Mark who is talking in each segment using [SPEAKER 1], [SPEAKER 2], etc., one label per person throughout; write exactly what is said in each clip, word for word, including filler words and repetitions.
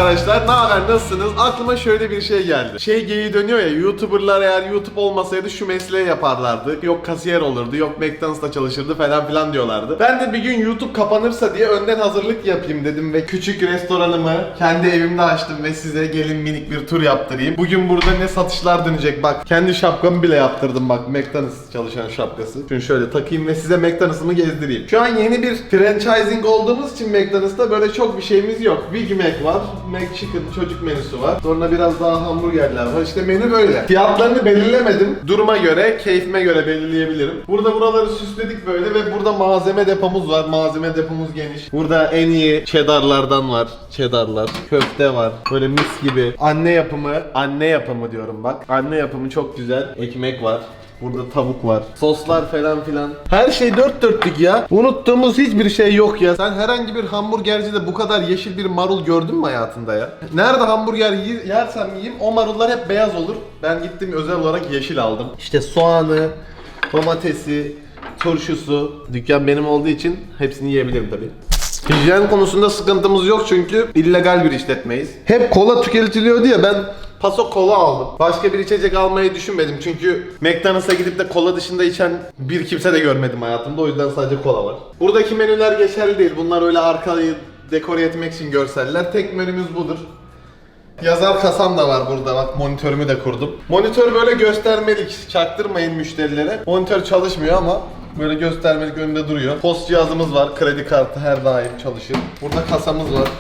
[SPEAKER 1] arkadaşlar, ne haber, nasılsınız? Aklıma şöyle bir şey geldi. Şey geyiği dönüyor ya, YouTuber'lar eğer YouTube olmasaydı şu mesleği yaparlardı. Yok kasiyer olurdu, yok McDonald's'ta çalışırdı falan filan diyorlardı. Ben de bir gün YouTube kapanırsa diye önden hazırlık yapayım dedim ve küçük restoranımı kendi evimde açtım ve size gelin minik bir tur yaptırayım. Bugün burada ne satışlar dönecek bak. Kendi şapkamı bile yaptırdım bak, McDonald's çalışan şapkası. Şunu şöyle takayım ve size McDonald's'ımı gezdireyim. Şu an yeni bir franchising olduğumuz için McDonald's'ta böyle çok bir şeyimiz yok. Big Mac var, McChicken çocuk menüsü var. Sonra biraz daha hamburgerler var. İşte menü böyle. Fiyatlarını belirlemedim. Duruma göre, keyfime göre belirleyebilirim. Burada buraları süsledik böyle ve burada malzeme depomuz var. Malzeme depomuz geniş. Burada en iyi cheddarlardan var. Cheddarlar. Köfte var. Böyle mis gibi. Anne yapımı, anne yapımı diyorum bak. Anne yapımı çok güzel. Ekmek var. Burada tavuk var. Soslar falan filan. Her şey dört dörtlük ya. Unuttuğumuz hiçbir şey yok ya. Sen herhangi bir hamburgercide bu kadar yeşil bir marul gördün mü hayatında ya? Nerede hamburger yersem yiyeyim o marullar hep beyaz olur. Ben gittim özel olarak yeşil aldım. İşte soğanı, domatesi, turşusu. Dükkan benim olduğu için hepsini yiyebilirim tabii. Hijyen konusunda sıkıntımız yok çünkü illegal bir işletmeyiz. Hep kola tüketiliyor diye ben paso kola aldım. Başka bir içecek almayı düşünmedim çünkü McDonald's'a gidip de kola dışında içen bir kimse de görmedim hayatımda, o yüzden sadece kola var. Buradaki menüler geçerli değil. Bunlar öyle arkayı dekore etmek için görseller. Tek menümüz budur. Yazar kasam da var burada, bak monitörümü de kurdum. Monitör böyle göstermelik, çaktırmayın müşterilere. Monitör çalışmıyor ama böyle göstermelik önünde duruyor. Post cihazımız var, kredi kartı her daim çalışır. Burada kasamız var.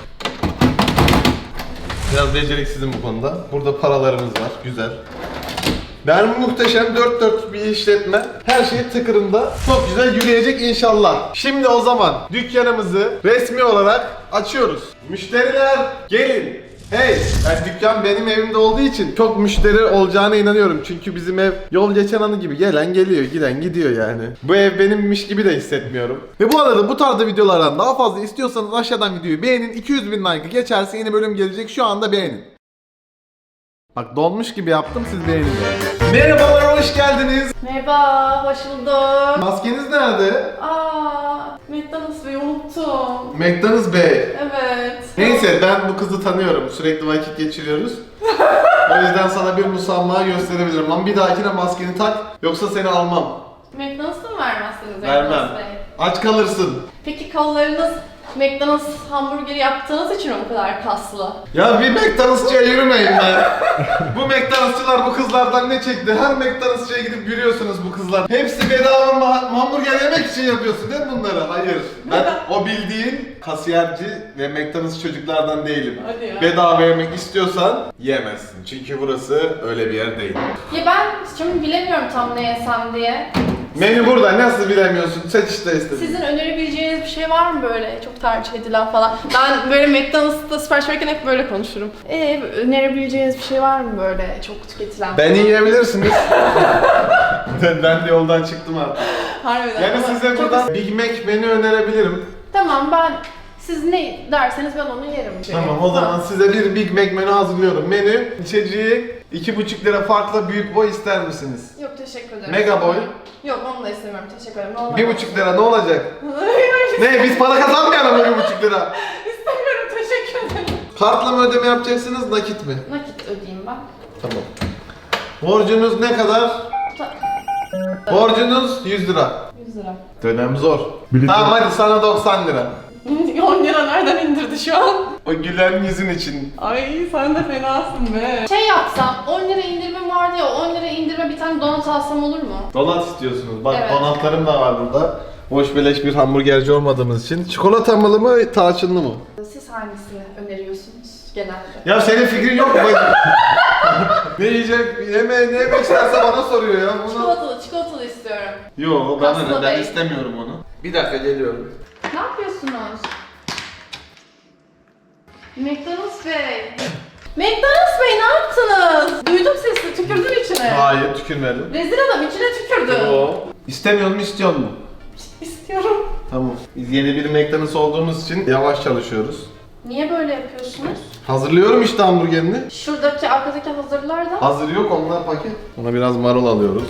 [SPEAKER 1] Biraz beceriksizim bu konuda. Burada paralarımız var, güzel. Ben muhteşem dört dört bir işletme. Her şey tıkırında. Çok güzel yürüyecek inşallah. Şimdi o zaman dükkanımızı resmi olarak açıyoruz. Müşteriler gelin. Hey! Yani dükkan benim evimde olduğu için çok müşteri olacağına inanıyorum. Çünkü bizim ev yol geçen anı gibi, gelen geliyor, giden gidiyor yani. Bu ev benimmiş gibi de hissetmiyorum. Ve bu arada bu tarzda videolardan daha fazla istiyorsanız aşağıdan videoyu beğenin. iki yüz bin like'ı geçerse yeni bölüm gelecek, şu anda beğenin. Bak donmuş gibi yaptım, siz beğenin. Merhabalar, hoş geldiniz.
[SPEAKER 2] Merhaba, hoş bulduk.
[SPEAKER 1] Maskeniz nerede?
[SPEAKER 2] Aa, McDonald's Bey'i unuttum.
[SPEAKER 1] McDonald's Bey.
[SPEAKER 2] Evet.
[SPEAKER 1] Neyse, ben bu kızı tanıyorum. Sürekli vakit geçiriyoruz. O yüzden sana bir musamma gösterebilirim. Ama bir dahakine maskeni tak, yoksa seni almam.
[SPEAKER 2] McDonald's'ta mı vermezsiniz?
[SPEAKER 1] Vermem.
[SPEAKER 2] McDonald's Bey?
[SPEAKER 1] Aç kalırsın.
[SPEAKER 2] Peki kollarınız McDonald's hamburgeri yaptığınız için mi bu kadar kaslı?
[SPEAKER 1] Ya bir McDonald'sçıya yürümeyin ben. Bu McDonald'sçılar bu kızlardan ne çekti? Her McDonald'sçıya gidip yürüyorsunuz bu kızlar. Hepsi bedava ma- hamburger yemek için yapıyorsun değil mi bunları? Hayır. Ben o bildiğin kasiyerci ve McDonald's çocuklardan değilim.
[SPEAKER 2] Hadi ya.
[SPEAKER 1] Bedava yemek istiyorsan yemezsin. Çünkü burası öyle bir yer değil.
[SPEAKER 2] Ya ben şimdi bilemiyorum tam ne yesem diye.
[SPEAKER 1] Menü burada, nasıl bilemiyorsun? Seç işte istediğin.
[SPEAKER 2] Sizin önerebileceğiniz bir şey var mı böyle çok tercih edilen falan? Ben böyle McDonald's'ta sipariş verirken hep böyle konuşurum. Ee, önerebileceğiniz bir şey var mı böyle çok tüketilen?
[SPEAKER 1] Beni yiyebilirsiniz. ben, ben de yoldan çıktım artık.
[SPEAKER 2] Harbiden.
[SPEAKER 1] Yani
[SPEAKER 2] Ama
[SPEAKER 1] size
[SPEAKER 2] çok-
[SPEAKER 1] buradan Big Mac menü önerebilirim.
[SPEAKER 2] Tamam, ben siz ne derseniz ben onu yerim.
[SPEAKER 1] Tamam, o zaman size bir Big Mac menü hazırlıyorum. Menü, içeceği iki buçuk lira farklı büyük boy ister misiniz?
[SPEAKER 2] Yok, teşekkür ederim.
[SPEAKER 1] Mega boy.
[SPEAKER 2] Yok, onu da istemiyorum, teşekkür ederim. Normal
[SPEAKER 1] Bir buçuk lira ne olacak? Ne, biz para kazanmayalım mı bir buçuk lira?
[SPEAKER 2] İstemiyorum, teşekkür ederim.
[SPEAKER 1] Kartla mı ödeme yapacaksınız, nakit mi?
[SPEAKER 2] Nakit ödeyeyim ben.
[SPEAKER 1] Tamam. Borcunuz ne kadar?
[SPEAKER 2] Ta-
[SPEAKER 1] Borcunuz yüz lira.
[SPEAKER 2] yüz lira.
[SPEAKER 1] Dönem zor. Tamam hadi sana doksan lira.
[SPEAKER 2] on lira nereden indirdi şu an?
[SPEAKER 1] O gülen yüzün için.
[SPEAKER 2] Ay sen de fenasın be. Şey yapsam, on lira indirme vardı ya, on lira indirme bir tane donat alsam olur mu?
[SPEAKER 1] Donat istiyorsunuz. Bak
[SPEAKER 2] Evet.
[SPEAKER 1] donatlarım da var burada. Boş beleş bir hamburgerci olmadığımız için. Çikolatalı mı, tarçınlı mı?
[SPEAKER 2] Siz hangisini öneriyorsunuz genelde?
[SPEAKER 1] Ya senin fikrin yok mu? Ne yiyecek, yeme, ne yemek isterse bana soruyor ya. Bunu...
[SPEAKER 2] Çikolatalı, çikolatalı istiyorum.
[SPEAKER 1] Yo, ben,
[SPEAKER 2] Kaslı
[SPEAKER 1] öyle, ben
[SPEAKER 2] Bey.
[SPEAKER 1] istemiyorum onu. Bir dakika geliyorum.
[SPEAKER 2] Ne yapıyorsunuz? McDonald's Bey. McDonald's Bey ne yaptınız? Duydum sesini, tükürdün içine.
[SPEAKER 1] Hayır, tükürmedim.
[SPEAKER 2] Rezil adam içine tükürdü.
[SPEAKER 1] Yo. İstemiyor mu, istiyor mu?
[SPEAKER 2] İstiyorum.
[SPEAKER 1] Tamam. Biz yeni bir McDonald's olduğumuz için yavaş çalışıyoruz.
[SPEAKER 2] Niye böyle yapıyorsunuz?
[SPEAKER 1] Hazırlıyorum işte hamburgerini.
[SPEAKER 2] Şuradaki arkadaki hazırlar da.
[SPEAKER 1] Hazır yok, onlar paket. Ona biraz marul alıyoruz.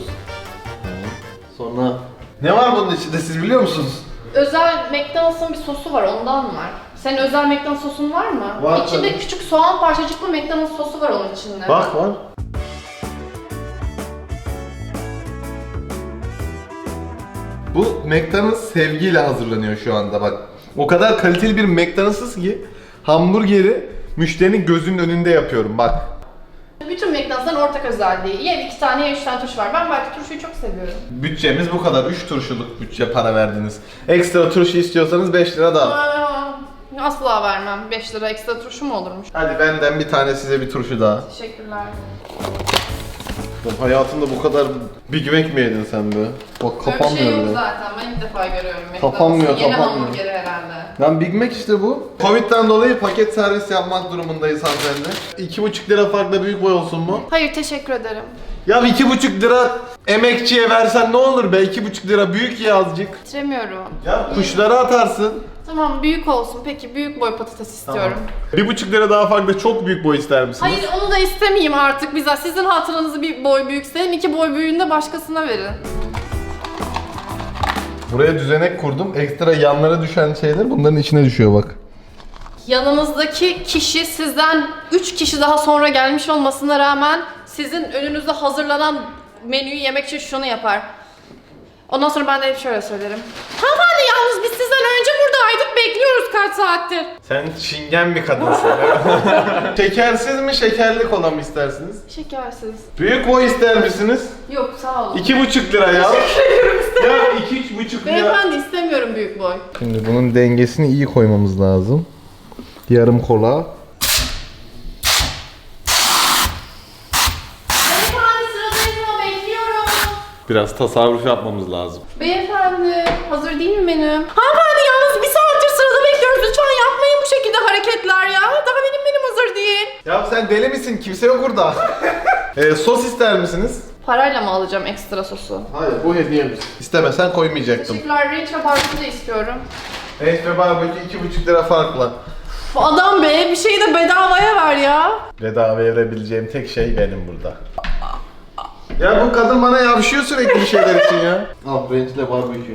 [SPEAKER 1] Sonra ne var bunun içinde, siz biliyor musunuz?
[SPEAKER 2] Özel McDonald's'ın bir sosu var, ondan var. Senin özel McDonald's sosun var mı?
[SPEAKER 1] Var
[SPEAKER 2] İçinde
[SPEAKER 1] tabii.
[SPEAKER 2] küçük soğan parçacıklı McDonald's sosu var onun içinde.
[SPEAKER 1] Bak var. Bu McDonald's sevgiyle hazırlanıyor şu anda bak. O kadar kaliteli bir McDonald's ki hamburgeri müşterinin gözünün önünde yapıyorum bak.
[SPEAKER 2] Bütün McDonald's'ın ortak özelliği. Ya iki tane ya üç tane turşu var. Ben belki turşuyu çok seviyorum.
[SPEAKER 1] Bütçemiz bu kadar. üç turşuluk bütçe para verdiniz. Ekstra turşu istiyorsanız beş lira daha.
[SPEAKER 2] Aa, asla vermem. beş lira ekstra turşu mu olurmuş?
[SPEAKER 1] Hadi benden bir tane size bir turşu daha.
[SPEAKER 2] Teşekkürler.
[SPEAKER 1] Hayatında bu kadar Big Mac mi yedin sen be? Bak
[SPEAKER 2] Böyle bir şey
[SPEAKER 1] kapanmıyor
[SPEAKER 2] yok
[SPEAKER 1] bile.
[SPEAKER 2] zaten. Ben ilk defa görüyorum.
[SPEAKER 1] Kapanmıyor,
[SPEAKER 2] McDonald's'ın yeni
[SPEAKER 1] kapanmıyor.
[SPEAKER 2] hamburgeri herhalde.
[SPEAKER 1] Lan Big Mac işte bu. Covid'den dolayı paket servis yapmak durumundayız hanımefendi. iki buçuk lira farkla büyük boy olsun mu?
[SPEAKER 2] Hayır, teşekkür ederim.
[SPEAKER 1] Ya iki buçuk lira emekçiye versen ne olur be? iki buçuk lira büyük ya azıcık.
[SPEAKER 2] Bitiremiyorum.
[SPEAKER 1] Ya kuşlara atarsın.
[SPEAKER 2] Tamam, büyük olsun. Peki büyük boy patates istiyorum.
[SPEAKER 1] Bir buçuk lira daha farklı çok büyük boy ister misiniz?
[SPEAKER 2] Hayır, onu da istemeyeyim artık bize. Sizin hatırınızı bir boy büyük istedim. İki boy büyüğünü de başkasına verin.
[SPEAKER 1] Buraya düzenek kurdum. Ekstra yanlara düşen şeyler bunların içine düşüyor bak.
[SPEAKER 2] Yanınızdaki kişi sizden üç kişi daha sonra gelmiş olmasına rağmen sizin önünüzde hazırlanan menüyü yemek için şunu yapar. Ondan sonra ben de hep şöyle söylerim. Hanımefendi, yalnız biz sizden önce buradaydık, bekliyoruz kaç saattir.
[SPEAKER 1] Sen çingen bir kadınsın. Şekersiz mi şekerli kola mı istersiniz?
[SPEAKER 2] Şekersiz.
[SPEAKER 1] Büyük boy ister misiniz?
[SPEAKER 2] Yok, sağ olun.
[SPEAKER 1] İki buçuk lira ya. Ya iki üç buçuk lira.
[SPEAKER 2] Beyefendi, istemiyorum büyük boy.
[SPEAKER 1] Şimdi bunun dengesini iyi koymamız lazım. Yarım kola.
[SPEAKER 2] Beyefendi, sıradayız ama bekliyorum.
[SPEAKER 1] Biraz tasarruf yapmamız lazım.
[SPEAKER 2] Beyefendi, hazır değil mi menüm? Hanımefendi, yalnız bir saattir sırada bekliyoruz. Lütfen yapmayın bu şekilde hareketler ya. Daha benim menüm hazır değil.
[SPEAKER 1] Ya sen deli misin? Kimse yok burada. ee, sos ister misiniz?
[SPEAKER 2] Parayla mı alacağım ekstra sosu?
[SPEAKER 1] Hayır, bu hediyemiz. İstemesen koymayacaktım.
[SPEAKER 2] Teşekkürler, range ve barbekü de istiyorum.
[SPEAKER 1] Et ve barbekü iki buçuk lira farkla.
[SPEAKER 2] Uf, adam be, bir şeyi de bedavaya ver ya.
[SPEAKER 1] Bedava verebileceğim tek şey benim burada. Ya bu kadın bana yavşıyor sürekli bir şeyler için ya. Al rençle barbekü.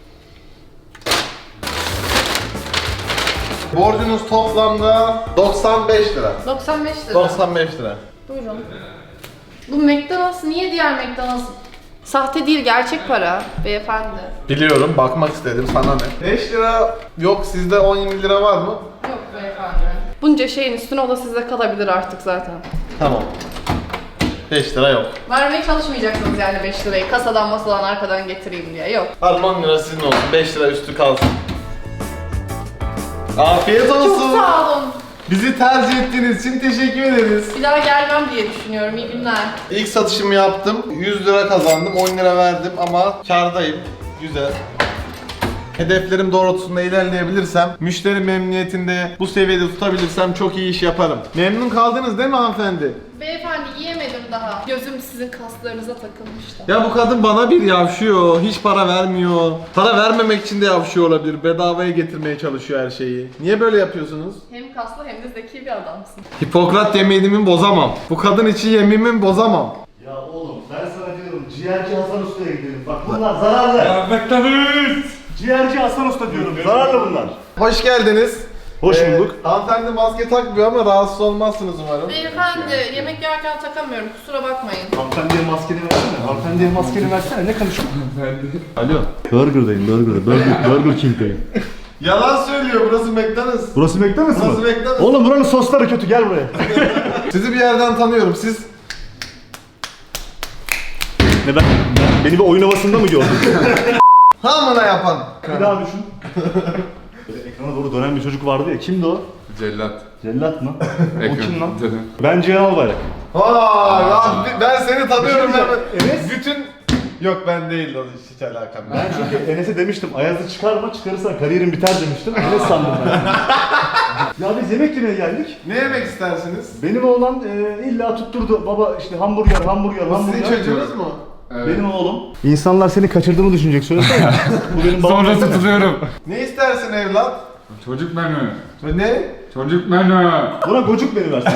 [SPEAKER 1] Borcunuz toplamda doksan beş lira.
[SPEAKER 2] doksan beş lira.
[SPEAKER 1] doksan beş lira.
[SPEAKER 2] Buyurun. Bu McDonald's niye diğer McDonald's? Sahte değil, gerçek para beyefendi.
[SPEAKER 1] Biliyorum, bakmak istedim, sana ne? beş lira yok, sizde on yirmi lira var mı?
[SPEAKER 2] Yok beyefendi. Bunca şeyin üstüne o da size kalabilir artık zaten.
[SPEAKER 1] Tamam. beş lira yok.
[SPEAKER 2] Vermeye çalışmayacaksınız yani beş lirayı. Kasadan masadan arkadan getireyim diye. Yok.
[SPEAKER 1] Al on lira sizin olsun, beş lira üstü kalsın. Afiyet olsun.
[SPEAKER 2] Çok sağ olun.
[SPEAKER 1] Bizi tercih ettiğiniz için teşekkür ederiz.
[SPEAKER 2] Bir daha gelmem diye düşünüyorum. İyi günler.
[SPEAKER 1] İlk satışımı yaptım, yüz lira kazandım, on lira verdim ama kârdayım. Güzel. Hedeflerim doğrultusunda ilerleyebilirsem, müşteri memnuniyetinde bu seviyede tutabilirsem çok iyi iş yaparım. Memnun kaldınız değil mi hanımefendi?
[SPEAKER 2] Beyefendi, yiyemedim daha. Gözüm sizin kaslarınıza takılmıştı.
[SPEAKER 1] Ya bu kadın bana bir yavşıyor, hiç para vermiyor. Para vermemek için de yavşıyor olabilir, bedavaya getirmeye çalışıyor her şeyi. Niye böyle yapıyorsunuz?
[SPEAKER 2] Hem kaslı hem de zeki bir adamsın.
[SPEAKER 1] Hipokrat yeminimi bozamam. Bu kadın için yeminimi bozamam.
[SPEAKER 3] Ya oğlum ben sana diyorum ciğerci Hasan Usta'ya gidelim. Bak bunlar zararlı.
[SPEAKER 4] Ya McDonald's!
[SPEAKER 3] Ciğerci Hasan Usta diyorum. Zararlı bunlar.
[SPEAKER 1] Hoş geldiniz.
[SPEAKER 3] Hoş
[SPEAKER 1] Ee,
[SPEAKER 3] bulduk.
[SPEAKER 1] hanımefendi maske takmıyor ama rahatsız olmazsınız umarım.
[SPEAKER 2] Beyefendi, yemek yerken takamıyorum. Kusura bakmayın.
[SPEAKER 3] Hanımefendiye maskeni versene. Hanımefendiye maskeni versene. Ne konuşuyorsun?
[SPEAKER 1] Alo.
[SPEAKER 3] Burger'dayım, Burger'da. Burger, Burger King'deyim.
[SPEAKER 1] Yalan söylüyor, burası McDonald's.
[SPEAKER 3] Burası McDonald's mı?
[SPEAKER 1] Burası McDonald's.
[SPEAKER 3] Oğlum buranın sosları kötü. Gel buraya.
[SPEAKER 1] Sizi bir yerden tanıyorum, siz...
[SPEAKER 3] Ne ben? Beni bir oyun havasında mı gördün?
[SPEAKER 1] Hamına yapan.
[SPEAKER 3] Bir daha düşün. Böyle ekrana doğru dönen bir çocuk vardı ya. Kimdi o?
[SPEAKER 4] Cellat.
[SPEAKER 3] Cellat mı? O kim lan?
[SPEAKER 4] Dedim.
[SPEAKER 3] Ben Cihan Albayrak.
[SPEAKER 1] Vay lan, ben seni tanıyorum.
[SPEAKER 3] Bir şey
[SPEAKER 1] ben.
[SPEAKER 3] diyeceğim, Enes?
[SPEAKER 1] Bütün... Yok ben değil, o hiç alakam yok.
[SPEAKER 3] Ben çünkü Enes'e demiştim Ayaz'ı çıkarma, çıkarırsan kariyerin biter demiştim. Enes sandım ben. Ya biz yemek yemeye geldik.
[SPEAKER 1] Ne yemek istersiniz?
[SPEAKER 3] Benim oğlan e, illa tutturdu. Baba işte hamburger, hamburger,
[SPEAKER 1] Bu
[SPEAKER 3] hamburger.
[SPEAKER 1] sizin çocuğunuz mu?
[SPEAKER 4] Evet.
[SPEAKER 3] Benim oğlum. İnsanlar seni kaçırdığımı düşünecek, söylesene. Bu benim babam.
[SPEAKER 4] Sonra
[SPEAKER 3] desene.
[SPEAKER 4] tutuluyorum.
[SPEAKER 1] Ne istersin evlat?
[SPEAKER 4] Çocuk menü.
[SPEAKER 1] Ne?
[SPEAKER 4] Çocuk menü.
[SPEAKER 3] Buna gocuk beni versin.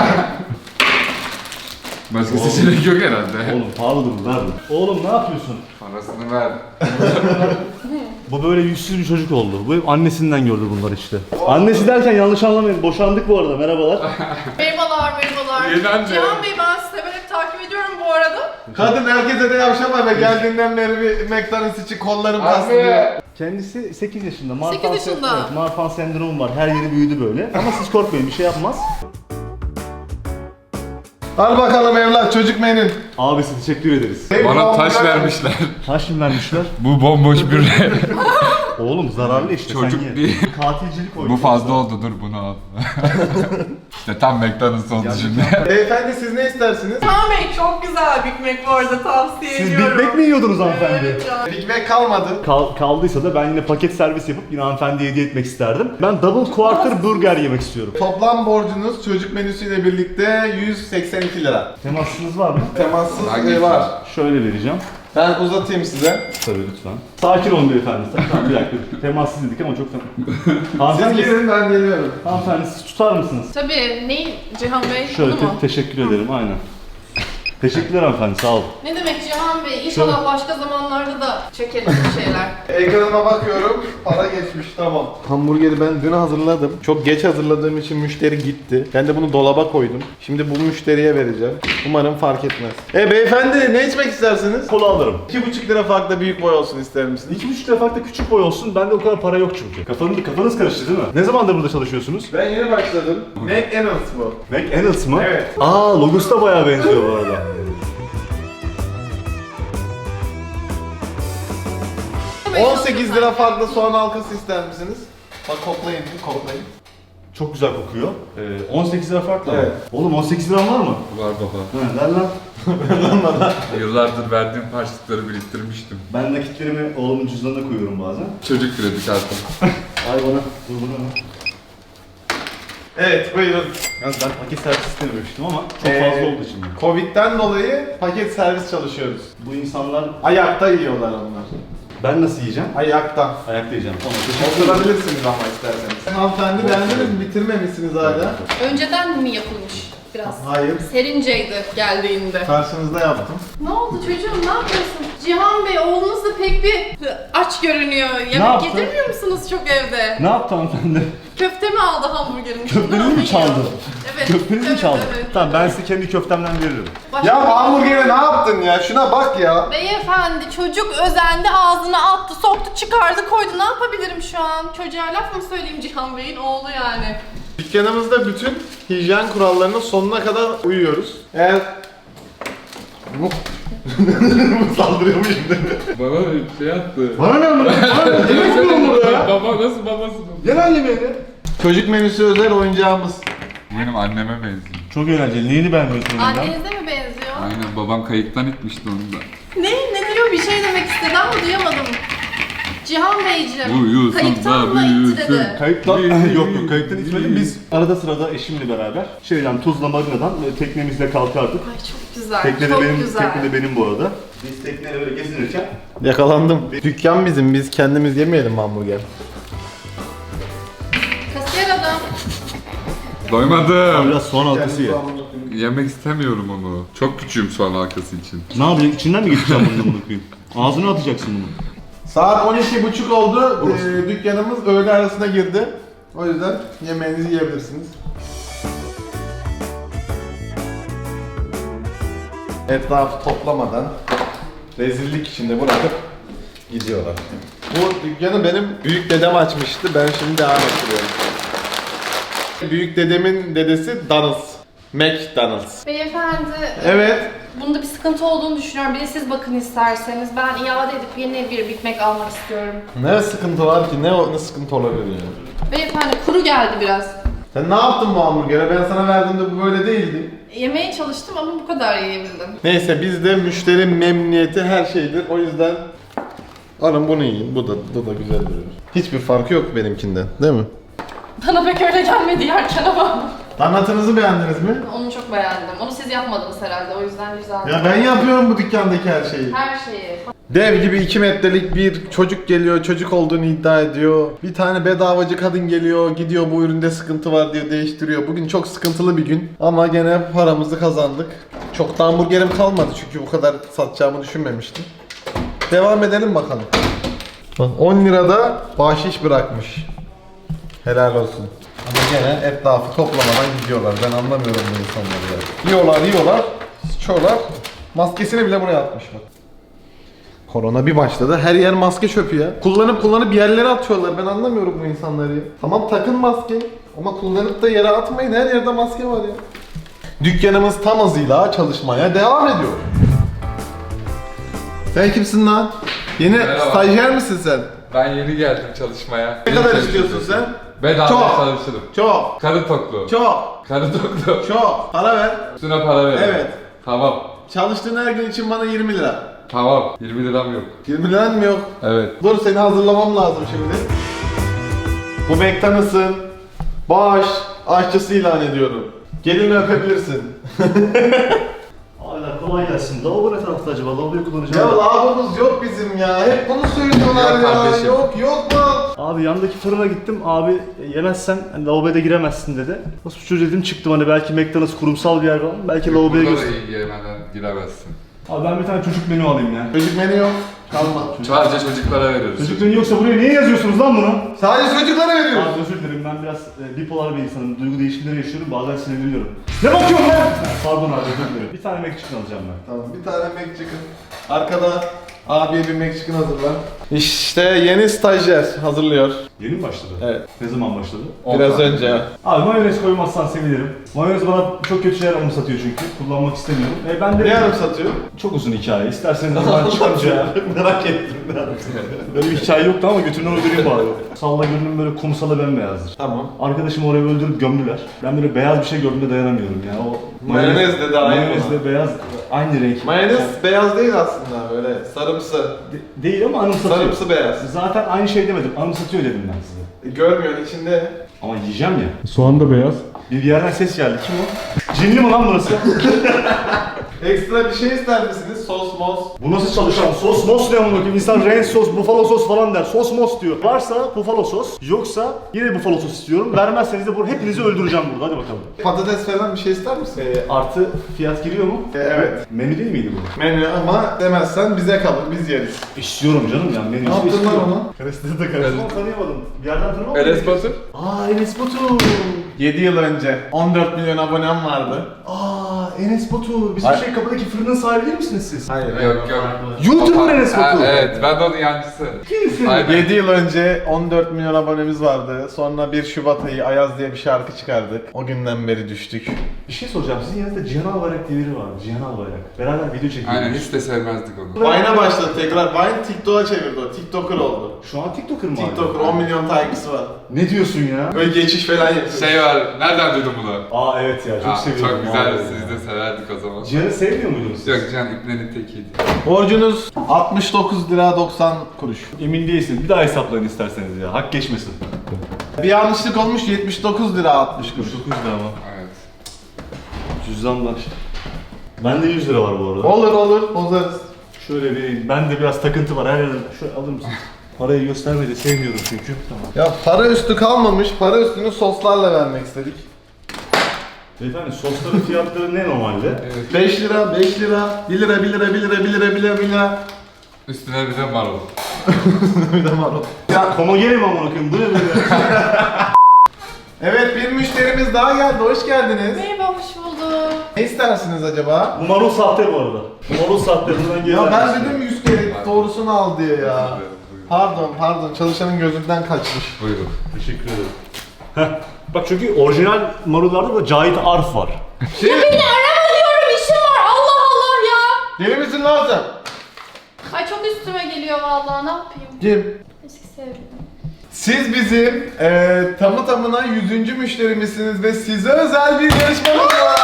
[SPEAKER 4] Başka seçenek yok herhalde.
[SPEAKER 3] Oğlum pahalıdır bu, ver bunu. Oğlum ne yapıyorsun?
[SPEAKER 4] Parasını ver.
[SPEAKER 3] Bu böyle yüzsüz bir çocuk oldu. Bu hep annesinden gördü bunlar işte. Annesi derken yanlış anlamayın. Boşandık bu arada. Merhabalar.
[SPEAKER 2] Merhabalar, merhabalar.
[SPEAKER 4] Yeni anne.
[SPEAKER 2] Cihan Bey ben sizi severek takip ediyorum bu arada.
[SPEAKER 1] Kadın herkese de yavşama be, geldiğinden beri bir McDonald's için kollarım kastı diyor.
[SPEAKER 4] Abi.
[SPEAKER 3] Kendisi sekiz yaşında. Marfan
[SPEAKER 2] sekiz yaşında.
[SPEAKER 3] sen- Evet, Marfan sendromu var. Her yeri büyüdü böyle. Ama siz korkmayın, bir şey yapmaz.
[SPEAKER 1] Al bakalım evlat, çocuk menün.
[SPEAKER 3] Abisi teşekkür ederiz.
[SPEAKER 4] Bana taş vermişler.
[SPEAKER 3] Taş mı vermişler?
[SPEAKER 4] Bu bomboş bir
[SPEAKER 3] Oğlum zararlı işte,
[SPEAKER 4] Çocuk
[SPEAKER 3] sen ye.
[SPEAKER 4] değil.
[SPEAKER 3] Katilcilik oynuyor.
[SPEAKER 4] Bu fazla oldu, dur bunu al. İşte tam McDonald's oldu şimdi.
[SPEAKER 1] Beyefendi siz ne istersiniz?
[SPEAKER 2] Cihan Bey çok güzel Big Mac bu arada tavsiye
[SPEAKER 3] Siz
[SPEAKER 2] ediyorum.
[SPEAKER 3] Big Mac mi yiyordunuz hanımefendi?
[SPEAKER 2] Evet Cihan.
[SPEAKER 1] Big Mac kalmadı.
[SPEAKER 3] Kal- kaldıysa da ben yine paket servis yapıp yine hanımefendiye hediye etmek isterdim. Ben double quarter burger yemek istiyorum.
[SPEAKER 1] Toplam borcunuz çocuk menüsüyle birlikte yüz seksen iki lira.
[SPEAKER 3] Temassınız var mı?
[SPEAKER 1] Temassız
[SPEAKER 4] Hangi
[SPEAKER 1] şey var.
[SPEAKER 3] Şöyle vereceğim.
[SPEAKER 1] Ben uzatayım size.
[SPEAKER 3] Tabii lütfen. Sakin olun beyefendi. Tamam, bir dakika. Temassız dedik ama çok
[SPEAKER 1] Siz
[SPEAKER 3] hanımefendi,
[SPEAKER 1] gelin, ben geliyorum.
[SPEAKER 3] hanımefendi siz tutar mısınız?
[SPEAKER 2] Tabii ne Cihan Bey?
[SPEAKER 3] Şöyle
[SPEAKER 2] Bunu mu?
[SPEAKER 3] te- teşekkür ederim, aynen. Teşekkürler hanımefendi, sağ olun.
[SPEAKER 2] Ne demek Cihan Bey? İnşallah başka zamanlarda da çekeriz bir şeyler.
[SPEAKER 1] Ekranıma bakıyorum, para geçmiş, tamam. Hamburgeri ben dün hazırladım. Çok geç hazırladığım için müşteri gitti. Ben de bunu dolaba koydum. Şimdi bu müşteriye vereceğim. Umarım fark etmez. E beyefendi, ne içmek istersiniz?
[SPEAKER 3] Kola alırım.
[SPEAKER 1] iki buçuk lira farkla büyük boy olsun ister misiniz?
[SPEAKER 3] İki buçuk defa da küçük boy olsun, bende o kadar para yok çünkü. Kafanız, kafanız karıştı değil mi? Ne zamandır burada çalışıyorsunuz?
[SPEAKER 1] Ben yeni başladım. McDonald's bu.
[SPEAKER 3] McDonald's mı?
[SPEAKER 1] Evet.
[SPEAKER 3] Aa, logosu da bayağı benziyor bu arada.
[SPEAKER 1] on sekiz lira farklı soğan halkası ister misiniz? Bak koklayın, koklayın.
[SPEAKER 3] Çok güzel kokuyor. Ee, on sekiz lira farklı.
[SPEAKER 1] Evet.
[SPEAKER 3] Oğlum on sekiz liram var mı?
[SPEAKER 4] Var baba.
[SPEAKER 3] He, ver lan.
[SPEAKER 4] Yıllardır verdiğim harçlıkları biriktirmiştim.
[SPEAKER 3] Ben nakitlerimi oğlumun cüzdanına koyuyorum bazen.
[SPEAKER 4] Çocuk kredi kartı.
[SPEAKER 3] Ay bana, dur bana.
[SPEAKER 1] Evet, buyurun.
[SPEAKER 3] Yalnız ben paket servis istememiştim ama çok
[SPEAKER 1] Ee,
[SPEAKER 3] fazla oldu şimdi.
[SPEAKER 1] Covid'den dolayı paket servis çalışıyoruz.
[SPEAKER 3] Bu insanlar,
[SPEAKER 1] Ayakta yiyorlar onlar.
[SPEAKER 3] ben nasıl yiyeceğim?
[SPEAKER 1] Ayakta.
[SPEAKER 3] Ayakta yiyeceğim. Tamam, teşekkür ederim.
[SPEAKER 1] Oturabilirsiniz ama isterseniz. Hanımefendi beğendiniz mi? Bitirmemişsiniz hala.
[SPEAKER 2] Önceden mi yapılmış biraz?
[SPEAKER 1] Hayır.
[SPEAKER 2] Serinceydi geldiğinde.
[SPEAKER 1] Karşınızda yaptım.
[SPEAKER 2] Ne oldu çocuğum, ne yapıyorsun? Cihan Bey, oğlunuz da pek bir aç görünüyor. Yemek
[SPEAKER 3] yaptı?
[SPEAKER 2] getirmiyor musunuz çok evde?
[SPEAKER 3] Ne yaptı hanımefendi?
[SPEAKER 2] Köfte mi aldı hamburgerin içinde?
[SPEAKER 3] Köftenizi
[SPEAKER 2] Onu
[SPEAKER 3] mi çaldı?
[SPEAKER 2] yiyor. Evet.
[SPEAKER 3] Köftenizi mi
[SPEAKER 2] evet,
[SPEAKER 3] çaldı?
[SPEAKER 2] evet.
[SPEAKER 3] Tamam, ben size kendi köftemden veririm.
[SPEAKER 2] Başka-
[SPEAKER 1] Ya hamburgere ne yaptın ya? Şuna bak ya.
[SPEAKER 2] Beyefendi, çocuk özendi, ağzına attı, soktu, çıkardı, koydu. Ne yapabilirim şu an? Çocuğa laf mı söyleyeyim Cihan Bey'in oğlu yani?
[SPEAKER 1] Dükkanımızda bütün hijyen kurallarının sonuna kadar uyuyoruz. Eğer... Saldırıyor mu şimdi?
[SPEAKER 4] Bana şey attı.
[SPEAKER 3] Bana ne anladın? Bana ne? Yemek mi bu burada ya?
[SPEAKER 4] Baba nasıl babası?
[SPEAKER 3] Gel lan yemeğini.
[SPEAKER 1] Çocuk menüsü özel oyuncağımız.
[SPEAKER 4] Benim anneme benziyor.
[SPEAKER 3] Çok eğlenceli. Neyini beğenmiyorsun ondan?
[SPEAKER 2] Annenize mi benziyor?
[SPEAKER 4] Aynen, babam kayıktan itmişti onu da.
[SPEAKER 2] Ne? Ne diyor? Bir şey demek istedi ama duyamadım. Cihan Beyciğim,
[SPEAKER 4] Uyusun
[SPEAKER 2] kayıktan
[SPEAKER 4] da
[SPEAKER 2] mı itti
[SPEAKER 4] büyüsün.
[SPEAKER 2] dedi?
[SPEAKER 3] Kayıktan, yok yok kayıktan içmedim. Biz arada sırada eşimle beraber şeyden Tuzla Marina'dan e, teknemizle kalkardık.
[SPEAKER 2] Ay çok güzel,
[SPEAKER 3] Tekne de
[SPEAKER 2] çok
[SPEAKER 3] benim,
[SPEAKER 2] güzel.
[SPEAKER 3] tekne de benim bu arada. Biz tekneyle böyle gezinirken
[SPEAKER 1] Yakalandım. Dükkan bizim, biz kendimiz yemeyelim hamburger.
[SPEAKER 2] Kasiyer adam.
[SPEAKER 4] Doymadım.
[SPEAKER 3] biraz soğan halkası ye.
[SPEAKER 4] Yemek istemiyorum onu. Çok küçüğüm soğan halkası için.
[SPEAKER 3] Ne yapacaksın? İçinden mi geçeceğim bunu bunu koyayım? Ağzına atacaksın bunu.
[SPEAKER 1] Saat on iki buçuk oldu. Ee, dükkanımız öğle arasına girdi. O yüzden yemeğinizi yiyebilirsiniz. Etrafı toplamadan rezillik içinde bırakıp gidiyorlar. Bu dükkanı benim büyük dedem açmıştı. Ben şimdi devam ettiriyorum. Büyük dedemin dedesi Donald's. McDonald's.
[SPEAKER 2] Beyefendi,
[SPEAKER 1] Evet.
[SPEAKER 2] bunda bir sıkıntı olduğunu düşünüyorum. Bir de siz bakın isterseniz. Ben iade edip yeni bir Big Mac almak istiyorum.
[SPEAKER 1] Ne sıkıntı var ki? Ne, ne sıkıntı olabilir yani?
[SPEAKER 2] Beyefendi, kuru geldi biraz.
[SPEAKER 1] Sen ne yaptın bu hamburgere? Ben sana verdiğimde bu böyle değildi.
[SPEAKER 2] Yemeye çalıştım ama bu kadar yiyebildim.
[SPEAKER 1] Neyse bizde müşteri memnuniyeti her şeydir. O yüzden alın bunu yiyin. Bu da bu da güzel duruyor. Hiçbir farkı yok benimkinden, değil mi?
[SPEAKER 2] Bana pek öyle gelmedi yerken ama.
[SPEAKER 1] Donatınızı beğendiniz mi?
[SPEAKER 2] Onu çok beğendim. Onu siz yapmadınız herhalde, o yüzden güzeldi.
[SPEAKER 1] Ya ben yapıyorum bu dükkandaki her şeyi.
[SPEAKER 2] Her şeyi.
[SPEAKER 1] Dev gibi iki metrelik bir çocuk geliyor, çocuk olduğunu iddia ediyor. Bir tane bedavacı kadın geliyor, gidiyor bu üründe sıkıntı var diye değiştiriyor. Bugün çok sıkıntılı bir gün ama gene paramızı kazandık. Çok da hamburgerim kalmadı çünkü bu kadar satacağımı düşünmemiştim. Devam edelim bakalım. Bak on lirada bahşiş bırakmış. Helal olsun. Ama gene etrafı toplamadan gidiyorlar. Ben anlamıyorum bu insanları ya. Yiyorlar yiyorlar, sıçıyorlar. Maskesini bile buraya atmış bak. Korona bir başladı. Her yer maske çöpü ya. Kullanıp kullanıp yerlere atıyorlar. Ben anlamıyorum bu insanları ya. Tamam takın maske. Ama kullanıp da yere atmayın. Her yerde maske var ya. Dükkanımız tam hızıyla çalışmaya devam ediyor. Sen kimsin lan? Yeni
[SPEAKER 4] Merhaba.
[SPEAKER 1] stajyer misin sen?
[SPEAKER 4] Ben yeni geldim çalışmaya.
[SPEAKER 1] Ne kadar istiyorsun sen?
[SPEAKER 4] Bedava
[SPEAKER 1] Çok.
[SPEAKER 4] çalışırım.
[SPEAKER 1] Çok.
[SPEAKER 4] Karı toklu.
[SPEAKER 1] Çok.
[SPEAKER 4] Karı toklu.
[SPEAKER 1] Çok. Para ver.
[SPEAKER 4] Üstüne para verin.
[SPEAKER 1] Evet.
[SPEAKER 4] Tamam.
[SPEAKER 1] Çalıştığın her gün için bana yirmi lira.
[SPEAKER 4] Tamam. yirmi liram yok.
[SPEAKER 1] yirmi liran mı yok?
[SPEAKER 4] Evet.
[SPEAKER 1] Dur seni hazırlamam lazım şimdi. Bu McDonald's'ın baş aşçısı ilan ediyorum. Gelin öpebilirsin.
[SPEAKER 3] Abiler kolay gelsin. Lavabo ne tarafta acaba? Lavaboyu kullanacağım.
[SPEAKER 1] Ya lavabomuz yok bizim ya. Hep bunu söylüyorlar
[SPEAKER 4] Yok
[SPEAKER 1] ya.
[SPEAKER 4] kardeşim.
[SPEAKER 1] Yok yok lan.
[SPEAKER 3] Abi yandaki fırına gittim. Abi yemezsen hani lavaboya da giremezsin dedi. Nasıl çocuğu dedim çıktım hani belki McDonald's kurumsal bir yer falan. Belki lavaboya
[SPEAKER 4] Burada da
[SPEAKER 3] girsin.
[SPEAKER 4] iyi yemeden giremezsin.
[SPEAKER 3] Abi ben bir tane çocuk menü alayım ya.
[SPEAKER 1] Çocuk menü yok. Kalma.
[SPEAKER 4] Sadece çocuklara veriyoruz.
[SPEAKER 3] Çocuk menü yoksa buraya niye yazıyorsunuz lan bunu?
[SPEAKER 1] Sadece çocuklara veriyoruz.
[SPEAKER 3] Abi özür dilerim ben biraz e, bipolar bir insanım. Duygu değişimleri yaşıyorum. Bazen sinirleniyorum. Ne bakıyorsun lan? Pardon abi özür dilerim. Bir tane McChicken alacağım ben.
[SPEAKER 1] Tamam bir tane McChicken. Arkada abiye bir McChicken hazırla. İşte yeni stajyer hazırlıyor.
[SPEAKER 3] Yeni mi başladı?
[SPEAKER 1] Evet.
[SPEAKER 3] Ne zaman başladı?
[SPEAKER 1] Biraz
[SPEAKER 4] Ondan.
[SPEAKER 1] önce.
[SPEAKER 3] Abi mayonez koymazsan sevinirim. Mayonez bana çok kötü şeyler anımsatıyor çünkü. Kullanmak istemiyorum. E ben de...
[SPEAKER 1] Ne yarım satıyor?
[SPEAKER 3] Çok uzun hikaye. İsterseniz zaman çıkarınca.
[SPEAKER 1] Merak ettim.
[SPEAKER 3] Böyle bir hikaye yoktu ama götünden uydurayım bari. Salla görünüm böyle kumsala bembeyazdır.
[SPEAKER 1] Tamam.
[SPEAKER 3] Arkadaşımı oraya öldürüp gömdüler. Ben böyle beyaz bir şey gördüğümde dayanamıyorum ya. O
[SPEAKER 1] Mayonez de dahil
[SPEAKER 3] Mayonezle beyaz aynı renk.
[SPEAKER 1] Mayonez beyaz değil aslında böyle sarımsı.
[SPEAKER 3] De- değil ama anımsatıyor.
[SPEAKER 1] Sarımsı beyaz.
[SPEAKER 3] Zaten aynı şey demedim. Anımsatıyor dedim ben size.
[SPEAKER 1] E, görmüyorsun içinde.
[SPEAKER 3] Ama yiyeceğim ya. Soğan da beyaz. Bir yerden ses geldi. Kim o? Cinli mi lan burası?
[SPEAKER 1] Ekstra bir şey ister misiniz? Sos mos.
[SPEAKER 3] Bu nasıl çalışan? Sos mos ne amına koyayım? İnsan ranch sos, buffalo sos falan der. Sos mos diyor. Varsa buffalo sos, yoksa yine buffalo sos istiyorum. Vermezseniz de bu hepinizi öldüreceğim burada. Hadi bakalım.
[SPEAKER 1] Patates falan bir şey ister misin?
[SPEAKER 3] Ee, artı fiyat giriyor mu?
[SPEAKER 1] E, evet.
[SPEAKER 3] Menü değil miydi bu?
[SPEAKER 1] Menü ama demezsen bize kalır biz yeriz.
[SPEAKER 3] İstiyorum canım ya. Menü
[SPEAKER 1] Ne yaptın lan
[SPEAKER 3] istiyorum.
[SPEAKER 1] onu?
[SPEAKER 3] Karıştırdı da karıştırdı. Onu tanıyamadım. Bir yerden tanımadım.
[SPEAKER 4] Enes Batur.
[SPEAKER 3] Aa Enes Batur.
[SPEAKER 1] yedi yıl önce on dört milyon abonem vardı.
[SPEAKER 3] Aa Enes Batur. Bizim
[SPEAKER 1] Hayır.
[SPEAKER 3] şey kapıdaki fırının sahibi değil misiniz siz?
[SPEAKER 1] Hayır.
[SPEAKER 4] Yok yok.
[SPEAKER 3] YouTuber Enes
[SPEAKER 4] Ha,
[SPEAKER 3] Batur.
[SPEAKER 4] Evet ben de onun yancısı.
[SPEAKER 3] Kimsin?
[SPEAKER 4] Aynen.
[SPEAKER 1] yedi yıl önce on dört milyon abonemiz vardı. Sonra bir Şubat ayı Ayaz diye bir şarkı çıkardık. O günden beri düştük.
[SPEAKER 3] Bir şey soracağım. Sizin yanınızda Cihan Albayrak diye biri var. Cihan Albayrak. Beraber video çekiyoruz.
[SPEAKER 4] Aynen hiç de sevmezdik onu.
[SPEAKER 1] Vine'a başladı tekrar. Vine TikTok'a çevirdi o. TikToker oldu.
[SPEAKER 3] Şu an TikToker mı abi?
[SPEAKER 1] TikToker on milyon takipçisi var.
[SPEAKER 3] Ne diyorsun ya?
[SPEAKER 1] Böyle geçiş falan yapıyor.
[SPEAKER 4] Şey var, nereden duydun bunu?
[SPEAKER 3] Aa evet ya çok
[SPEAKER 4] Aa,
[SPEAKER 3] seviyorum.
[SPEAKER 4] çok güzel,
[SPEAKER 3] Vallahi.
[SPEAKER 4] siz de severdik o zaman.
[SPEAKER 3] Cihan'ı sevmiyor muydunuz siz?
[SPEAKER 4] Yok Can İbne'nin tekiydi.
[SPEAKER 1] Borcunuz altmış dokuz lira doksan kuruş.
[SPEAKER 3] Emin değilsin. Bir daha hesaplayın isterseniz ya. Hak geçmesin.
[SPEAKER 1] Bir yanlışlık olmuş yetmiş dokuz lira altmış kuruş.
[SPEAKER 3] dokuz lira ama.
[SPEAKER 4] Evet.
[SPEAKER 3] Cüzdanlar. Bende yüz lira var bu arada.
[SPEAKER 1] Olur olur bozarız.
[SPEAKER 3] Şöyle bir, ben de biraz takıntı var her yerden. Şöyle alır mısın? Parayı göstermeyi de sevmiyorum çünkü. Tamam.
[SPEAKER 1] Ya para üstü kalmamış. Para üstünü soslarla vermek istedik.
[SPEAKER 3] Beyefendi sosların fiyatları ne normalde?
[SPEAKER 4] Evet.
[SPEAKER 1] beş lira, beş lira, bir lira, bir lira, bir lira, bir lira, bir lira, bir lira.
[SPEAKER 4] Üstüne bir de marul.
[SPEAKER 1] Bir de marul.
[SPEAKER 3] Ya homogeni mi amına koyayım? Bu ne böyle?
[SPEAKER 1] Evet bir müşterimiz daha geldi. Hoş geldiniz.
[SPEAKER 2] Merhaba, hoş bulduk.
[SPEAKER 1] Ne istersiniz acaba?
[SPEAKER 3] Bu marul sahte bu arada. Bu marul sahte. Buradan geri
[SPEAKER 1] Ya ben
[SPEAKER 3] vermişsin.
[SPEAKER 1] dedim yüz kere doğrusunu al diye ya.
[SPEAKER 4] Buyurun.
[SPEAKER 1] Pardon pardon çalışanın gözünden kaçmış.
[SPEAKER 4] Buyurun.
[SPEAKER 3] Teşekkür ederim. Heh. Bak çünkü orijinal marullarda da Cahit Arf var.
[SPEAKER 1] Şey,
[SPEAKER 2] Beni arama diyorum, işim var. Allah Allah ya.
[SPEAKER 1] deli misin lan sen?
[SPEAKER 2] Ay çok üstüme geliyor vallahi, ne yapayım?
[SPEAKER 1] Kim?
[SPEAKER 2] Eski sevgilim.
[SPEAKER 1] Siz bizim eee tamı tamına yüzüncü müşterimizsiniz ve size özel bir yarışmamız var.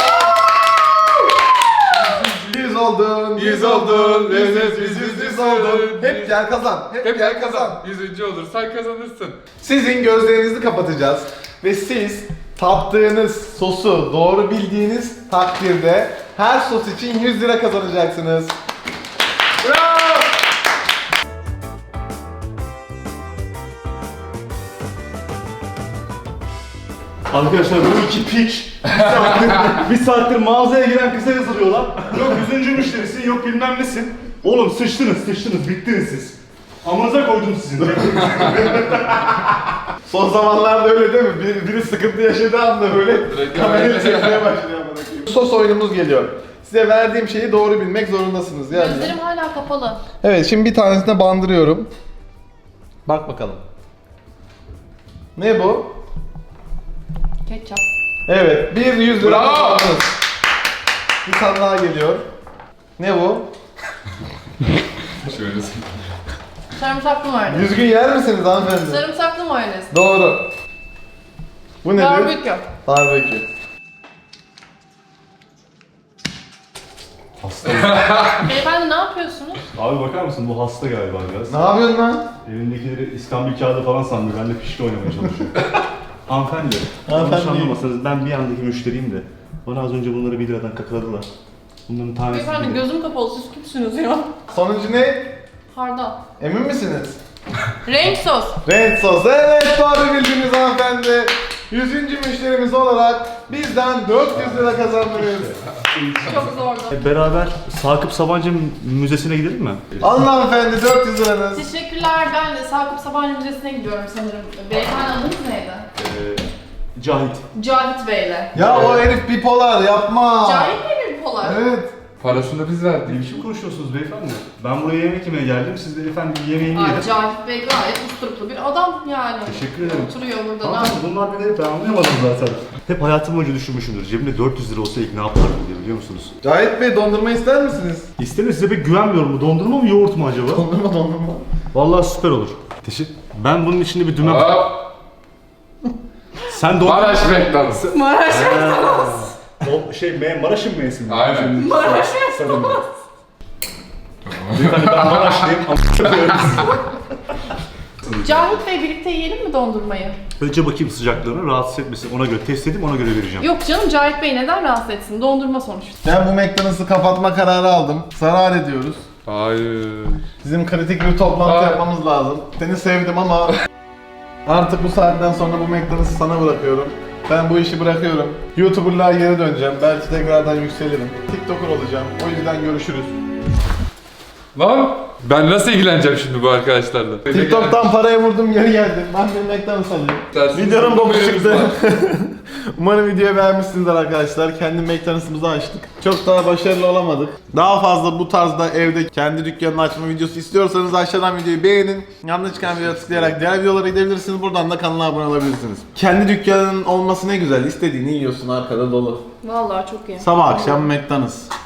[SPEAKER 1] Yüz oldun, yüz oldun, yüz yüz yüz yüz yüz oldun. Hep gel kazan, hep,
[SPEAKER 4] Hep
[SPEAKER 1] gel kazan.
[SPEAKER 4] Yüzüncü olursan kazanırsın.
[SPEAKER 1] Sizin gözlerinizi kapatacağız ve siz tattığınız sosu doğru bildiğiniz takdirde her sos için yüz lira kazanacaksınız. Bravo!
[SPEAKER 3] Arkadaşlar bu iki piç bir saattir, bir saattir mağazaya giren kıza yazılıyorlar. Yok yüzüncü müşterisin, yok bilmem nesin. Oğlum sıçtınız, sıçtınız, bittiniz siz. Amınıza koydum sizin.
[SPEAKER 1] Son zamanlarda öyle değil mi? Bir, biri sıkıntı yaşadığı anda böyle
[SPEAKER 4] Direkt
[SPEAKER 1] kamerayı
[SPEAKER 4] öyle.
[SPEAKER 1] çekmeye başlıyor. amına koyayım. Sos oyunumuz geliyor. Size verdiğim şeyi doğru bilmek zorundasınız yani.
[SPEAKER 2] Gözlerim hala kapalı.
[SPEAKER 1] Evet, şimdi bir tanesine bandırıyorum. Bak bakalım. Ne bu?
[SPEAKER 2] Ketçap.
[SPEAKER 1] Evet, bir yüz lira
[SPEAKER 4] Bravo.
[SPEAKER 1] kazandınız. Bir tane daha geliyor. Ne bu?
[SPEAKER 4] Şöyle.
[SPEAKER 2] Sarımsaklı mayonez.
[SPEAKER 1] Düzgün yer misiniz hanımefendi?
[SPEAKER 2] Sarımsaklı mayonez.
[SPEAKER 1] Doğru. Bu nedir?
[SPEAKER 2] Barbekü.
[SPEAKER 1] Barbekü.
[SPEAKER 3] Hasta.
[SPEAKER 2] Beyefendi ne yapıyorsunuz?
[SPEAKER 3] Abi bakar mısın bu hasta galiba biraz.
[SPEAKER 1] Ne yapıyorsun lan?
[SPEAKER 3] Elindekileri İskambil kağıdı falan sandı. Ben de pişti oynamaya çalışıyorum. Hanımefendi.
[SPEAKER 1] Hanımefendi.
[SPEAKER 3] Yanlış anlamasanız ben bir yandaki müşteriyim de. Bana az önce bunları bir liradan kakaladılar. Bunların tanesi
[SPEAKER 2] Beyefendi
[SPEAKER 3] bir lira.
[SPEAKER 2] gözüm kapalı, siz kimsiniz ya?
[SPEAKER 1] Sonuncu ne?
[SPEAKER 2] Hardal.
[SPEAKER 1] Emin misiniz?
[SPEAKER 2] Renk sos.
[SPEAKER 1] Renk sos. Evet, doğru bildiniz hanımefendi. Yüzüncü müşterimiz olarak bizden dört yüz lira kazandınız.
[SPEAKER 2] Çok zordu.
[SPEAKER 3] Beraber Sakıp Sabancı Müzesi'ne gidelim mi?
[SPEAKER 1] Alın hanımefendi dört yüz liranız.
[SPEAKER 2] Teşekkürler. Ben de Sakıp Sabancı Müzesi'ne gidiyorum sanırım. Beyefendi adınız neydi?
[SPEAKER 3] Ee, Cahit.
[SPEAKER 2] Cahit Bey'le.
[SPEAKER 1] Ya o herif bipolar yapma.
[SPEAKER 2] Cahit Bey mi polar?
[SPEAKER 1] Evet.
[SPEAKER 4] Parasını biz
[SPEAKER 3] Ne
[SPEAKER 4] verdik.
[SPEAKER 3] biçim konuşuyorsunuz beyefendi? Ben buraya yemek yemeye geldim. Siz de efendim yemeğini
[SPEAKER 2] Ay,
[SPEAKER 3] yedin.
[SPEAKER 2] Cahit Bey gayet usturuplu bir adam yani.
[SPEAKER 3] Teşekkür ederim.
[SPEAKER 2] Oturuyor burada. Ne
[SPEAKER 3] Hanımefendi bunlar beni ben anlayamadım zaten. Hep hayatım boyunca düşünmüşümdür. Cebimde dört yüz lira olsa ilk ne yapardım diye biliyor musunuz?
[SPEAKER 1] Cahit Bey dondurma ister misiniz?
[SPEAKER 3] İsterim size pek güvenmiyorum. Bu dondurma mı yoğurt mu acaba?
[SPEAKER 1] Dondurma dondurma.
[SPEAKER 3] Vallahi süper olur. Teşekkür. Ben bunun içinde bir dümen...
[SPEAKER 4] Hop.
[SPEAKER 3] Sen dondurma...
[SPEAKER 4] Maraş McDonald's.
[SPEAKER 2] Maraş
[SPEAKER 3] O şey me Maraş'ın meyesi mi?
[SPEAKER 4] Aynen.
[SPEAKER 2] Maraş
[SPEAKER 3] Sarın. Beyefendi ben Maraşlıyım.
[SPEAKER 2] Cahit Bey birlikte yiyelim mi dondurmayı?
[SPEAKER 3] Önce bakayım sıcaklığını rahatsız etmesin. Ona göre test edeyim ona göre vereceğim.
[SPEAKER 2] Yok canım, Cahit Bey neden rahatsız etsin? Dondurma sonuçta.
[SPEAKER 1] Ben bu McDonald's'ı kapatma kararı aldım. Zarar ediyoruz.
[SPEAKER 4] Hayır.
[SPEAKER 1] Bizim kritik bir toplantı
[SPEAKER 4] Aa.
[SPEAKER 1] yapmamız lazım. Seni sevdim ama artık bu saatten sonra bu McDonald's'ı sana bırakıyorum. Ben bu işi bırakıyorum. YouTuber'lığa geri döneceğim. Belki tekrardan yükselirim. TikToker olacağım. O yüzden görüşürüz.
[SPEAKER 4] Lan ben nasıl ilgileneceğim şimdi bu arkadaşlarla?
[SPEAKER 1] TikTok'tan paraya vurdum geri geldim. Ben bir McDonald's alayım.
[SPEAKER 4] Tersiniz.
[SPEAKER 1] Videonun boku
[SPEAKER 4] Haberimiz
[SPEAKER 1] çıktı.
[SPEAKER 4] var.
[SPEAKER 1] Umarım videoyu beğenmişsinizdir arkadaşlar. Kendi McDonald's'ımızı açtık. Çok daha başarılı olamadık. Daha fazla bu tarzda evde kendi dükkanını açma videosu istiyorsanız aşağıdan videoyu beğenin. Yanına çıkan videoya tıklayarak diğer videolara gidebilirsiniz. Buradan da kanala abone olabilirsiniz. Kendi dükkanın olması ne güzel. İstediğini yiyorsun, arkada dolu.
[SPEAKER 2] Vallahi çok iyi.
[SPEAKER 1] Sabah akşam McDonald's.